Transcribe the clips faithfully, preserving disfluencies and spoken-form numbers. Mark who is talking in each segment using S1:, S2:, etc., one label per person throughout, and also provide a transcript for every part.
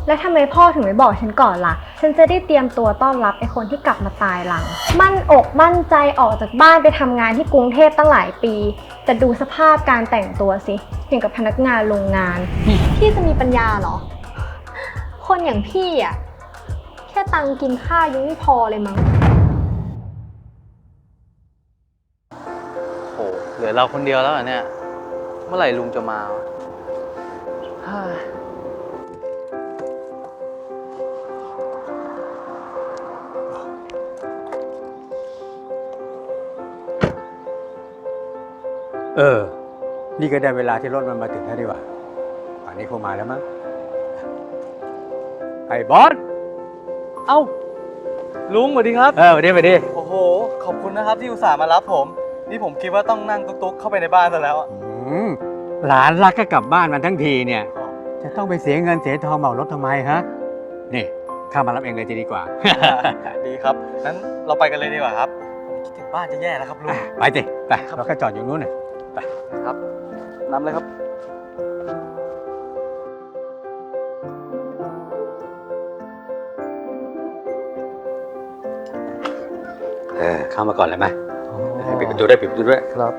S1: แล้วทำไมพ่อถึงไม่บอกฉันก่อนล่ะฉันจะได้เตรียมตัวต้อนรับไอ้คนที่กลับมาตายหลังมั่นอกมั่นใจออกจากบ้านไปทำงานที่กรุงเทพตั้งหลายปีแต่ดูสภาพการแต่งตัวสิอย่างกับพนักงานโรงงานพี่จะมีปัญญาเหรอคนอย่างพี่อ่ะแค่ตังกินข้าวยังไม่พอเลยมั้ง
S2: โหเหลือเราคนเดียวแล้วเหรอเนี่ยเมื่อไหร่ลุงจะมาวะ
S3: เออ นี่ก็ได้เวลาที่รถมันมาถึงแล้วดีกว่าป่านนี้คงมาแล้วมั้งไอ้บอส
S2: เอ้าลุงสวัสดีครับ
S3: เออมาดิมาดิ
S2: โอ้โหขอบคุณนะครับที่อุตส่าห์มารับผมนี่ผมคิดว่าต้องนั่งตุ๊กๆเข้าไปในบ้านซะแล้วอะ
S3: อืมหลานรักก็กลับบ้านมันทั้งทีเนี่ย จะต้องไปเสียเงินเสียทองเหมารถทำไมฮะ นี่ข้ามารับเองเลยจะดีกว่า
S2: ดีครับงั้นเราไปกันเลยดีกว่าครับผมคิดถึงบ้านจะแย่แล้วครับลุง
S3: ไปสิไปเราก็จอดอยู่นู้นน่ะไป
S2: ครับนำเลยครับ
S3: เออเข้ามาก่อนเลยไหมปิดประตูด้วยปิดประตูด้วย
S2: ครับ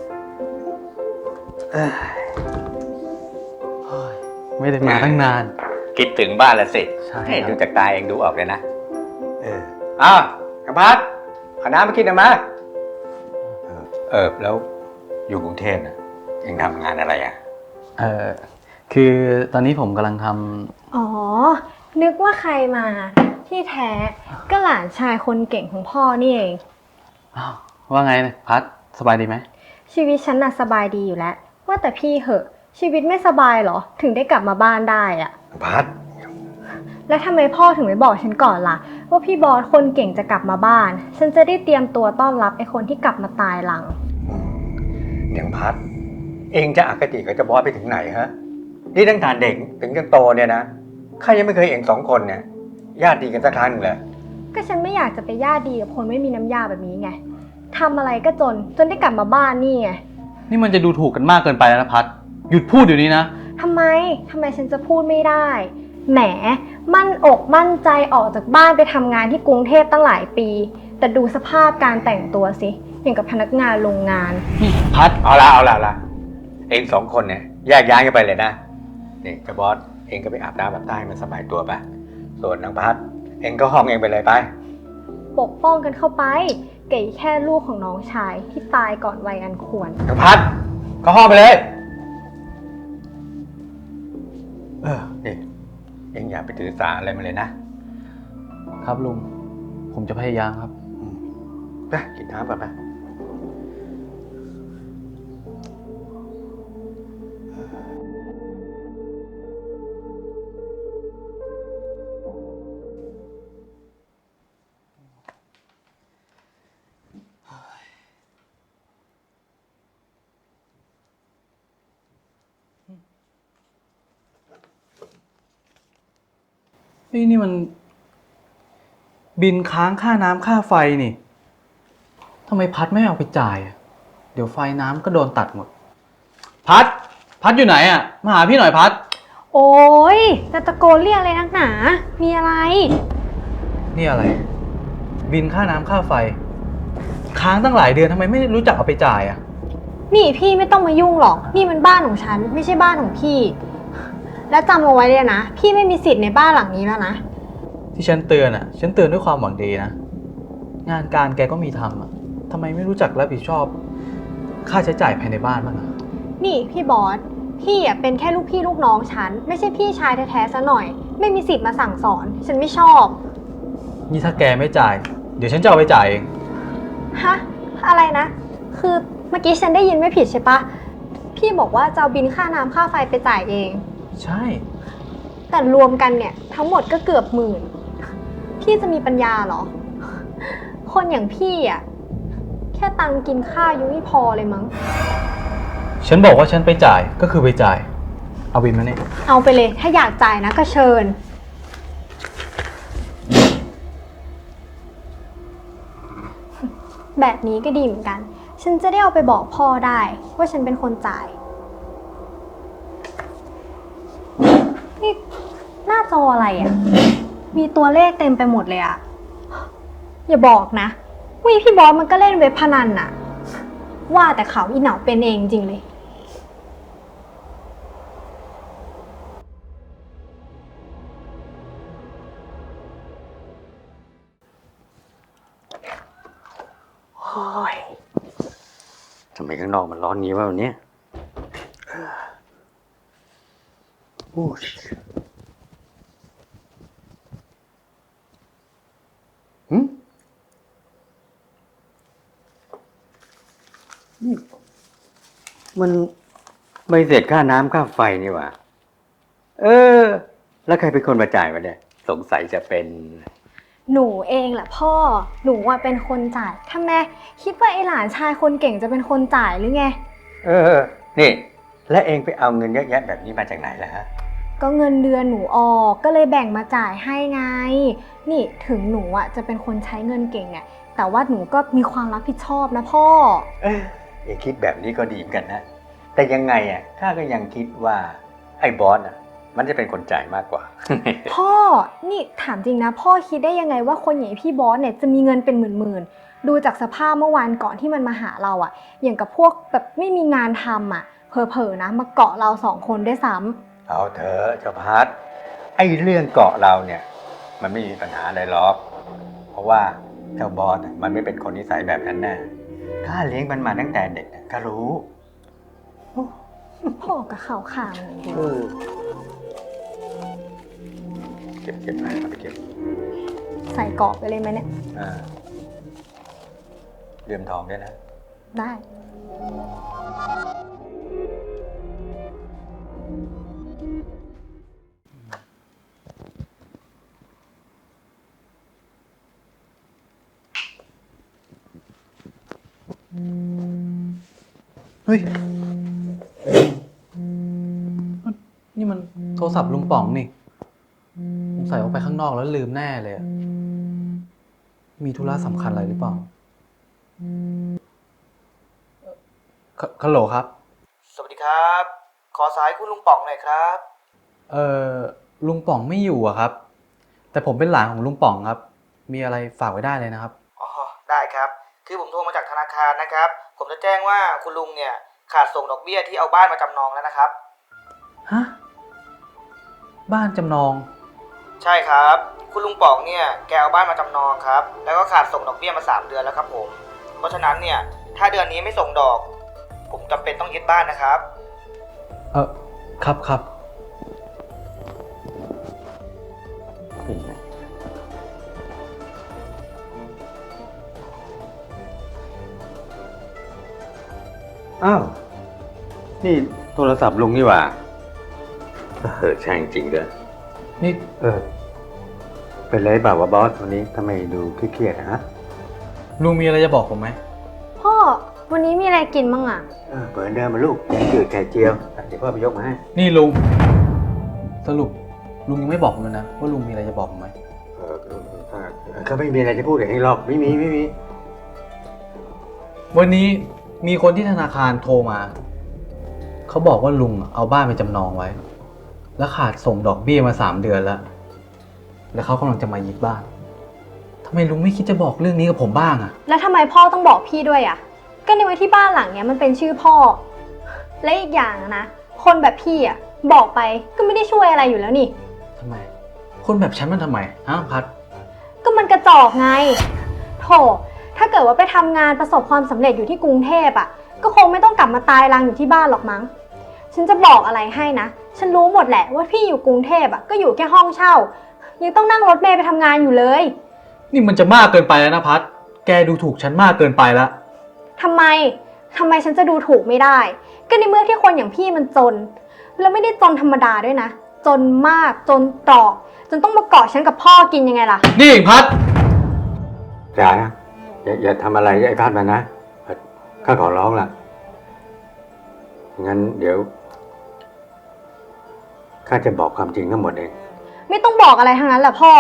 S2: ไม่ได้มาตั้งนาน
S3: คิดถึงบ้านละสิ
S2: ใช่
S3: ดูจากตาเองดูออกเลยนะเอออ้าวกำพัดเอาน้ำมากินหน่อยมาเออเออแล้วอยู่กรุงเทพน่ะเองทำงานอะไรอ่ะ
S2: เออคือตอนนี้ผมกำลังท
S1: อ๋อนึกว่าใครมาที่แท้ก็หลานชายคนเก่งของพ่อนี่เอง
S2: ำอ้าวว่าไงพัดสบายดีไหม
S1: ชีวิตฉันน่ะสบายดีอยู่แล้วว่าแต่พี่เหอะชีวิตไม่สบายเหรอถึงได้กลับมาบ้านได้อะ
S3: พัด
S1: แล้วทำไมพ่อถึงไม่บอกฉันก่อนล่ะว่าพี่บอสคนเก่งจะกลับมาบ้านฉันจะได้เตรียมตัวต้อนรับไอ้คนที่กลับมาตายหลัง
S3: อย่างพัด เองจะอคติกับเจ้าบอสไปถึงไหนฮะนี่ตั้งแต่เด็กถึงจนโตเนี่ยนะข้ายังไม่เคยเองสองคนเนี่ยญาติดีกันสักครั้งหนึ่งเลย
S1: ก็ฉันไม่อยากจะไปญาติดีกับคนไม่มีน้ำยาแบบนี้ไงทำอะไรก็จนจนได้กลับมาบ้านนี่ไง
S2: นี่มันจะดูถูกกันมากเกินไปแล้วนะพัดหยุดพูดเดี๋ยวนี้นะ
S1: ทำไมทำไมฉันจะพูดไม่ได้แหมมั่นอกมั่นใจออกจากบ้านไปทำงานที่กรุงเทพตั้งหลายปีแต่ดูสภาพการแต่งตัวสิอย่างกับพนักงานโรงงาน
S2: พัด
S3: เอาละเอาละเอาละเองสองคนเนี่ยแยกย้ายกันไปเลยนะนี่เจ้าบอสเองก็ไปอาบน้ำแบบใต้มันสบายตัวไปส่วนนางพัดเองก็ห้องเองไปเลยไป
S1: ปกป้องกันเข้าไปเก๋แค่ลูกของน้องชายที่ตายก่อนวัยอันควร
S3: นางพัดก็ห้องไปเลยเออนี่เองอย่าไปถือสาอะไรมาเลยนะครับ
S2: ลุงผมจะพยายามครับ
S3: ไปกินน้ำก่อนไป
S2: เฮ้ยนี่มัน บินค้างค่าน้ำค่าไฟนี่ทำไมพัดไม่เอาไปจ่ายอะเดี๋ยวไฟน้ำก็โดนตัดหมด พัด พัดอยู่ไหนอ่ะมาหาพี่หน่อยพัด
S1: โอ้ยจะตะโกนเรียกอะไรนักหนามีอะไร
S2: นี่อะไร บินค่าน้ำค่าไฟ ค้างตั้งหลายเดือนทำไมไม่รู้จักเอาไปจ่ายอ่ะ
S1: นี่พี่ไม่ต้องมายุ่งหรอกนี่มันบ้านของฉันไม่ใช่บ้านของพี่ แล้วจำเอาไว้เลยนะพี่ไม่มีสิทธิ์ในบ้านหลังนี้แล้วนะ
S2: ที่ฉันเตือนอ่ะ ฉันเตือนด้วยความหวังดีนะ งานการแกก็มีทำอ่ะทำไมไม่รู้จักรับผิดชอบ ค่าใช้จ่ายภายในบ้านบ้างอ่ะ
S1: นี่พี่บอสพี่อ่ะเป็นแค่ลูกพี่ลูกน้องฉันไม่ใช่พี่ชายแท้ๆซะหน่อย ไม่มีสิทธิ์มาสั่งสอนฉันไม่ชอบ
S2: นี่ถ้าแกไม่จ่าย เดี๋ยวฉันจะเอาไปจ่ายเอง
S1: ฮะอะไรนะ คือเมื่อกี้ฉันได้ยินไม่ผิดใช่ปะพี่บอกว่าจะเอาบินค่าน้ำค่าไฟไปจ่ายเอง
S2: ใช่
S1: แต่รวมกันเนี่ยทั้งหมดก็เกือบหมื่นพี่จะมีปัญญาเหรอ คนอย่างพี่อ่ะแค่ตังกินข้าวยังไม่พอเลยมั้ง
S2: ฉันบอกว่าฉันไปจ่ายก็คือไปจ่าย เอาบินมาเนี่ย
S1: เอาไปเลยถ้าอยากจ่ายนะก็เชิญ แบบนี้ก็ดีเหมือนกัน ฉันจะได้เอาไปบอกพ่อได้ว่าฉันเป็นคนจ่าย นี่หน้าจออะไรอะมีตัวเลขเต็มไปหมดเลยอะอย่าบอกนะว่าพี่บอสมันก็เล่นเว็บพนันน่ะว่าแต่เขาอีเหนาเป็นเองจริงเลย
S3: โอ้ยทำไมข้างนอกมันร้อนนี้วะวันนี้โอ้ยหืมนี่มันใบเสร็จค่าน้ำค่าไฟนี่หว่าเออ แล้วใครเป็นคนมาจ่ายวะเนี่ย สงสัยจะเป็น
S1: หนูเองแหละพ่อหนูว่าเป็นคนจ่ายทำไมคิดว่าไอหลานชายคนเก่งจะเป็นคนจ่ายหรือไง
S3: เออ นี่ และเองไปเอาเงินเยอะแยะแบบนี้มาจากไหนล่ะฮะ
S1: ก็เงินเดือนหนูออกก็เลยแบ่งมาจ่ายให้ไงนี่ถึงหนูอ่ะจะเป็นคนใช้เงินเก่งเนี่ยแต่ว่าหนูก็มีความรับผิดชอบนะพ่อ
S3: เออเองคิดแบบนี้ก็ดีเหมือนกันนะแต่ยังไงอ่ะข้าก็ยังคิดว่าไอ้บอสอ่ะมันจะเป็นคนจ่ายมากกว่า
S1: พ่อนี่ถามจริงนะพ่อคิดได้ยังไงว่าคนอย่างพี่บอสเนี่ยจะมีเงินเป็นหมื่นๆดูจากสภาพเมื่อวานก่อนที่มันมาหาเราอ่ะอย่างกับพวกแบบไม่มีงานทำอ่ะเผลอๆนะมาเกาะเราสองคนได้ซ้ำ
S3: เอาเถอะเจ้าพัดไอ้เรื่องเกาะเราเนี่ยมันไม่มีปัญหาอะไรหรอกเพราะว่าเจ้าบอสมันไม่เป็นคนนิสัยแบบนั้นแน่ข้าเลี้ยงมันมาตั้งแต่เด็กก็รู้
S1: พ่อกับเขาข่างเลย
S3: เก็บเก็บไปเอาไปเก็บ
S1: ใส่กรอบไปเลยไหมเนี่ย
S3: อ่าเลื่อมทองด้วยนะ
S1: ได้
S2: เฮ้ยนี่มันโทรศัพท์ลุงป๋องนี่ผมใส่ออกไปข้างนอกแล้วลืมแน่เลยมีธุระสำคัญอะไรหรือเปล่าฮัลโหลครับ
S4: สวัสดีครับขอสายคุณลุงป๋องหน่อยครับ
S2: เอ่อลุงป๋องไม่อยู่อะครับแต่ผมเป็นหลานของลุงป๋องครับมีอะไรฝากไว้ได้เลยนะครับ
S4: อ๋อได้ครับคือผมโทรมาจากธนาคารนะครับผมจะแจ้งว่าคุณลุงเนี่ยขาดส่งดอกเบี้ยที่เอาบ้านมาจำนองแล้วนะครับ
S2: ฮะบ้านจำนอง
S4: ใช่ครับคุณลุงป๋องเนี่ยแกเอาบ้านมาจำนองครับแล้วก็ขาดส่งดอกเบี้ยมาสามเดือนแล้วครับผมเพราะฉะนั้นเนี่ยถ้าเดือนนี้ไม่ส่งดอกผมจำเป็นต้องยึดบ้านนะครับ
S2: เออครับครับ
S3: อ้าวนี่โทรศัพท์ลุงนี่หว่าเออใช่จริงด้วยนี่เออเป็นไรบ่าวว่าบอสวันนี้ทำไมดูเครียดๆฮะ
S2: ลุงมีอะไรจะบอกผมไหม
S1: พ่อวันนี้มีอะไรกินบ้างอ่ะ
S3: เออเปิดเดิมมาลูกแกงจืดไข่เจียวเดี๋ยวพ่อไปยกมาให้
S2: นี่ลุงสรุปลุงยังไม่บอกผมเลยนะว่าลุงมีอะไรจะบอกผมไหม
S3: เออเขาไม่มีอะไรจะพูดกับเองหรอกไม่มีไม่มี
S2: วันนี้มีคนที่ธนาคารโทรมาเขาบอกว่าลุงเอาบ้านไปจำนองไว้แล้วขาดส่งดอกเบี้ยมาสามเดือนแล้วแล้วเขากำลังจะมายึดบ้านทำไมลุงไม่คิดจะบอกเรื่องนี้กับผมบ้างอะ
S1: แล้วทำไมพ่อต้องบอกพี่ด้วยอะก็ในวันที่บ้านหลังเนี้ยมันเป็นชื่อพ่อและอีกอย่างนะคนแบบพี่อะบอกไปก็ไม่ได้ช่วยอะไรอยู่แล้วนี่
S2: ทำไมคนแบบฉันมันทำไมฮะพัด
S1: ก็มันกระจอกไงโถถ้าเกิดว่าไปทำงานประสบความสำเร็จอยู่ที่กรุงเทพอะก็คงไม่ต้องกลับมาตายรังอยู่ที่บ้านหรอกมั้งฉันจะบอกอะไรให้นะฉันรู้หมดแหละว่าพี่อยู่กรุงเทพอะก็อยู่แค่ห้องเช่ายังต้องนั่งรถเมล์ไปทำงานอยู่เลย
S2: นี่มันจะมากเกินไปแล้วนะพัดแกดูถูกฉันมากเกินไปแล้ว
S1: ทำไมทำไมฉันจะดูถูกไม่ได้ก็ในเมื่อที่คนอย่างพี่มันจนแล้วไม่ได้จนธรรมดาด้วยนะจนมากจนตรอกจนต้องมาเกาะฉันกับพ่อกินยังไงล่ะ
S2: นี่พัด
S3: อย่านะอย่าอย่าทำอะไรไอ้พัดมันนะข้าขอร้องล่ะงั้นเดี๋ยวข้าจะบอกความจริงทั้งหมดเอง
S1: ไม่ต้องบอกอะไรทั้งนั้นแหละพ่อ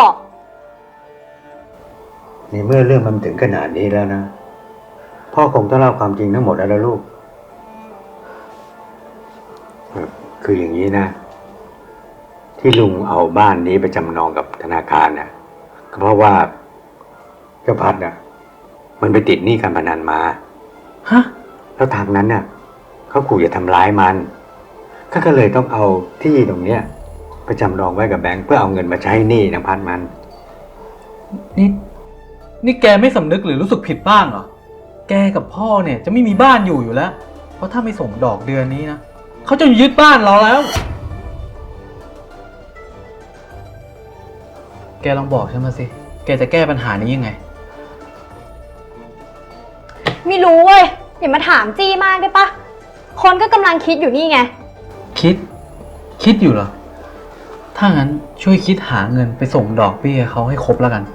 S3: ในเมื่อเรื่องมันถึงขนาดนี้แล้วนะพ่อคงต้องเล่าความจริงทั้งหมดแล้วลูกคืออย่างนี้นะที่ที่ลุงเอาบ้านนี้ไปจำนองกับธนาคารน่ะก็เพราะว่าเจ้าพัดน่ะมันไปติดหนี้การพนันมา
S2: ฮะ
S3: แล้วทางนั้นน่ะเขาขู่จะทำร้ายมันก็ก็เลยต้องเอาที่ตรงเนี้ยไปจำนองไว้กับแบงค์เพื่อเอาเงินมาใช้หนี้นางพัดมัน
S2: นี่นี่แกไม่สำนึกหรือรู้สึกผิดบ้างเหรอ แกกับพ่อเนี่ยจะไม่มีบ้านอยู่อยู่แล้ว เพราะถ้าไม่ส่งดอกเดือนนี้นะเขาจะยึดบ้านเราแล้ว แกลองบอกฉันมาสิ แกจะแก้ปัญหานี้ยังไง
S1: ไม่รู้เว้ย อย่ามาถามจี้มากได้ปะ คนก็กำลังคิดอยู่นี่ไง
S2: คิด คิดอยู่เหรอ ถ้างั้นช่วยคิดหาเงินไปส่งดอกเบี้ยเขาให้ครบแล้วกัน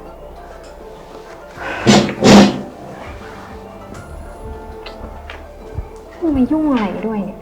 S1: มายุ่งอะไรด้วยเนี่ย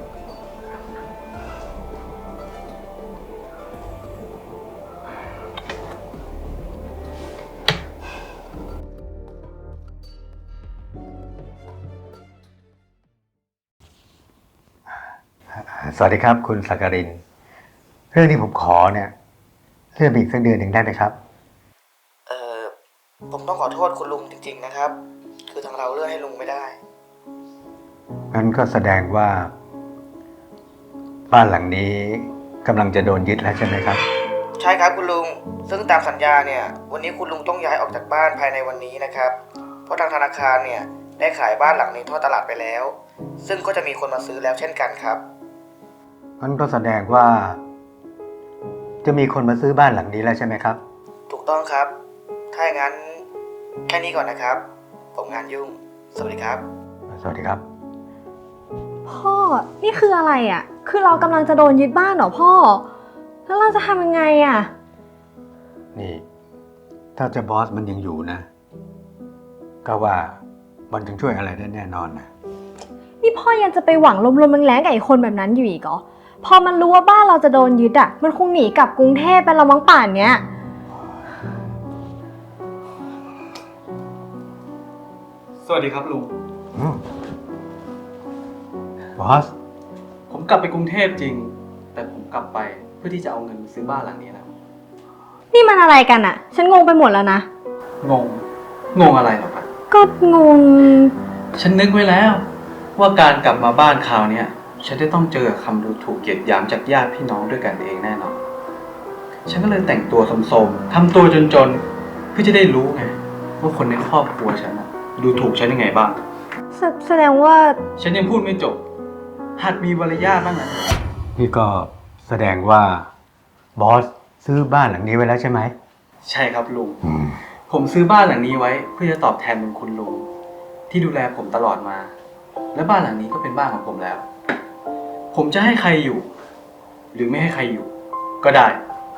S3: สวัสดีครับคุณสักการินเรื่องที่ผมขอเนี่ยเลื่อนไปอีกสักเดือนหนึ่งได้ไหมครับ
S4: เออผมต้องขอโทษคุณลุงจริงๆนะครับ คือทางเราเลื่อนให้ลุงไม่ได้
S3: งั้นก็แสดงว่า บ้านหลังนี้กำลังจะโดนยึดแล้วใช่ไหมครับ
S4: ใช่ครับคุณลุง ซึ่งตามสัญญาเนี่ยวันนี้คุณลุงต้องย้ายออกจากบ้านภายในวันนี้นะครับ เพราะทางธนาคารเนี่ยได้ขายบ้านหลังนี้ทอดตลาดไปแล้ว ซึ่งก็จะมีคนมาซื้อแล้วเช่นกันครับ
S3: งั้นก็แสดงว่า จะมีคนมาซื้อบ้านหลังนี้แล้วใช่ไหมครับ
S4: ถูกต้องครับ ถ้าอย่างนั้นแค่นี้ก่อนนะครับ ผมงานยุ่ง สวัสดีครับ
S3: สวัสดีครับ
S1: พ่อ นี่คืออะไรอ่ะ คือเรากำลังจะโดนยึดบ้านเหรอพ่อ แล้วเราจะทำยังไงอ่ะ
S3: นี่ ถ้าเจะบอสมันยังอยู่นะ ก็ว่ามันจึงช่วยอะไรได้แน่นอนนะ
S1: นี่พ่อยังจะไปหวังลมๆแรงๆกับไอ้คนแบบนั้นอยู่อีกเหรอ พอมันรู้ว่าบ้านเราจะโดนยึดอ่ะ มันคงหนีกลับกรุงเทพไปและมั้งป่านเนี้ย
S2: สวัสดีครับลุง
S3: อืมบอส
S2: ผมกลับไปกรุงเทพจริง แต่ผมกลับไปเพื่อที่จะเอาเงินมาซื้อบ้านหลังนี้นะ
S1: นี่มันอะไรกันอ่ะ ฉันงงไปหมดแล้วนะ
S2: งง งงอะไรหรอครับ
S1: ก็งง
S2: ฉันนึกไว้แล้ว ว่าการกลับมาบ้านคราวเนี้ยฉันจะต้องเจอคำดูถูกเหยียดหยามจากญาติพี่น้องด้วยกันเองแน่นอน ฉันก็เลยแต่งตัวสมๆทำตัวจนๆเพื่อจะได้รู้ไงว่าคนในครอบครัวฉันน่ะดูถูกฉันยังไงบ้าง
S1: แสแสดงว่า
S2: ฉันยังพูดไม่จบ หัดมีมารยาทบ้างนะ
S3: นี่ก็แสดงว่าบอสซื้อบ้านหลังนี้ไว้แล้วใช่ไหม
S2: ใช่ครับลุง
S3: อืม
S2: ผมซื้อบ้านหลังนี้ไว้เพื่อจะตอบแทนบุญคุณลุงที่ดูแลผมตลอดมา และบ้านหลังนี้ก็เป็นบ้านของผมแล้ว ผมจะให้ใครอยู่ หรือไม่ให้ใครอยู่ ก็ได้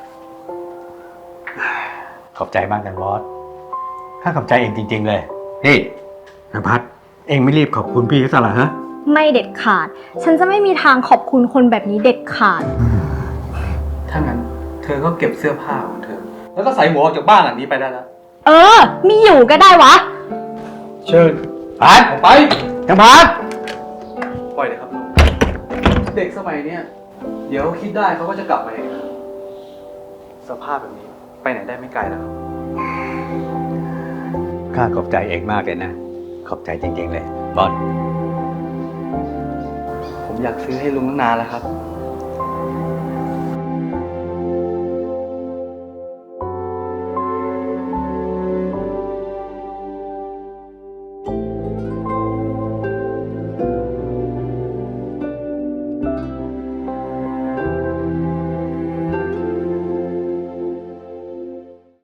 S3: ขอบใจมากนะบอสข้าขอบใจเองจริงๆเลย นี่นภัสเองไม่รีบขอบคุณพี่เขาซะเหรอฮะ
S1: ไม่เด็ดขาด ฉันจะไม่มีทางขอบคุณคนแบบนี้เด็ดขาด
S2: ถ้างั้นเธอก็เก็บเสื้อผ้าของเธอ แล้วก็ใส่หัวออกจากบ้านหลังนี้ไปได้แล้ว
S1: เออ มีอยู่ก็ได้วะ
S2: เชิญ
S3: พัด
S2: ออกไป
S3: นภัส
S2: ปล่อยเลยครับลุง เด็กสมัยเนี้ยเดี๋ยวคิดได้เขาก็จะกลับมาเองครับสภาพแบบนี้ไปไหนได้ไม่ไกลแล้วครับ
S3: ข้าขอบใจเองมากเลยนะ ขอบใจจริงๆเลยบอส
S2: ผมอยากซื้อให้ลุงตั้งนานแล้วครับ